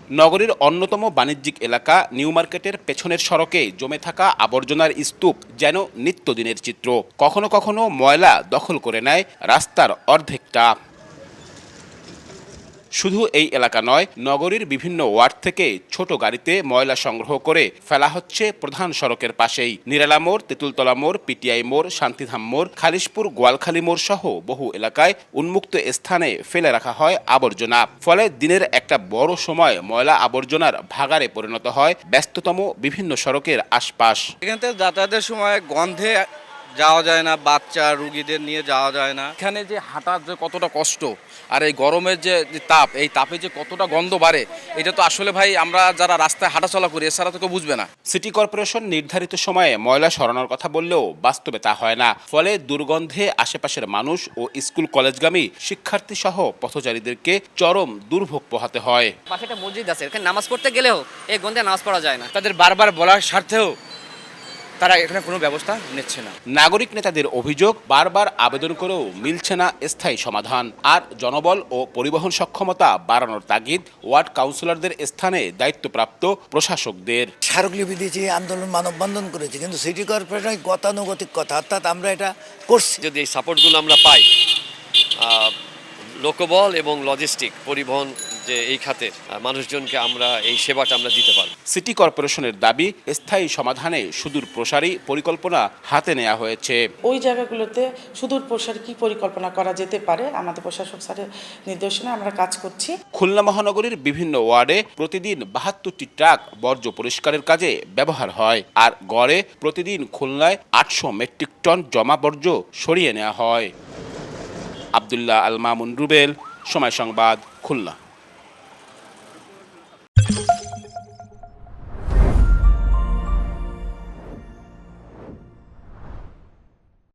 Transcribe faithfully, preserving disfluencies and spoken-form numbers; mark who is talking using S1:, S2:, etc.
S1: নগরীর অন্যতম বাণিজ্যিক এলাকা নিউ মার্কেটের পেছনের সড়কে জমে থাকা আবর্জনার স্তূপ যেন নিত্যদিনের চিত্র। কখনো কখনো ময়লা দখল করে নেয় রাস্তার অর্ধেকটা। শুধু এই এলাকা নয়, নগরীর বিভিন্ন ওয়ার্ড থেকে ছোট গাড়িতে ময়লা সংগ্রহ করে ফেলা হচ্ছে প্রধান সড়কের পাশেই। নিরালা মোড়, তেঁতুলতলা মোড়, পিটিআই মোড়, শান্তিধাম মোড়, খালিশপুর, গোয়ালখালী মোড় সহ বহু এলাকায় উন্মুক্ত স্থানে ফেলে রাখা হয় আবর্জনা। ফলে দিনের একটা বড় সময় ময়লা আবর্জনার ভাগাড়ে পরিণত হয় ব্যস্ততম বিভিন্ন সড়কের আশপাশ।
S2: এখান থেকে যাতায়াতের সময় গন্ধে যাওয়া যায় না, বাচ্চা রুগীদের নিয়ে যাওয়া যায় না। এখানে যে হাঁটার যে কতটা কষ্ট, আর এই গরমের যে তাপ, এই তাপে যে কতটা গন্ধ বাড়ে, এটা তো আসলে ভাই আমরা যারা রাস্তায় হাঁটাচলা করি এছাড়া তো কেউ বুঝবে না।
S1: সিটি কর্পোরেশন নির্ধারিত সময়ে ময়লা সরানোর কথা বললেও বাস্তবে তা হয় না। ফলে দুর্গন্ধে আশেপাশের মানুষ ও স্কুল কলেজগামী শিক্ষার্থী সহ পথচারীদেরকে চরম দুর্ভোগ পোহাতে হয়।
S3: পাশে একটা মসজিদ আছে, এখানে নামাজ পড়তে গেলেও এই গন্ধে নামাজ পড়া যায় না।
S2: তাদের বারবার বলার স্বার্থেও তারা এখানে কোনো ব্যবস্থা নিচ্ছে না।
S1: নাগরিক নেতাদের অভিযোগ, বারবার আবেদন করেও মিলছে না স্থায়ী সমাধান। আর জনবল ও পরিবহন সক্ষমতা বাড়ানোর তাগিদ ওয়ার্ড কাউন্সিলরদের স্থানে দায়িত্বপ্রাপ্ত প্রশাসকদের।
S4: স্মারকলিপি দিয়েছি, আন্দোলন মানববন্ধন করেছি, কিন্তু সিটি কর্পোরেশন গতানুগতিক কথা, অর্থাৎ আমরা এটা করছি।
S5: যদি এই সাপোর্টগুলো আমরা পাই, লোকবল এবং লজিস্টিক পরিবহন যে এই খাতের মানুষজনকে আমরা এই সেবাটা আমরা দিতে পারব।
S1: সিটি কর্পোরেশনের দাবি, স্থায়ী সমাধানে সুদূর প্রসারী পরিকল্পনা হাতে নেওয়া হয়েছে।
S6: ওই জায়গাগুলোতে সুদূর প্রসারী কি পরিকল্পনা করা যেতে পারে, আমাদের প্রশাসক স্যারের নির্দেশনা আমরা কাজ করছি।
S1: খুলনা মহানগরীর বিভিন্ন ওয়ার্ডে প্রতিদিন বাহাত্তরটি ট্রাক বর্জ্য পরিষ্কারের কাজে ব্যবহার হয়, আর গড়ে প্রতিদিন খুলনায় আটশো মেট্রিক টন জমা বর্জ্য সরিয়ে নেওয়া হয়। আব্দুল্লাহ আল মামুন রুবেল, সময় সংবাদ, খুলনা।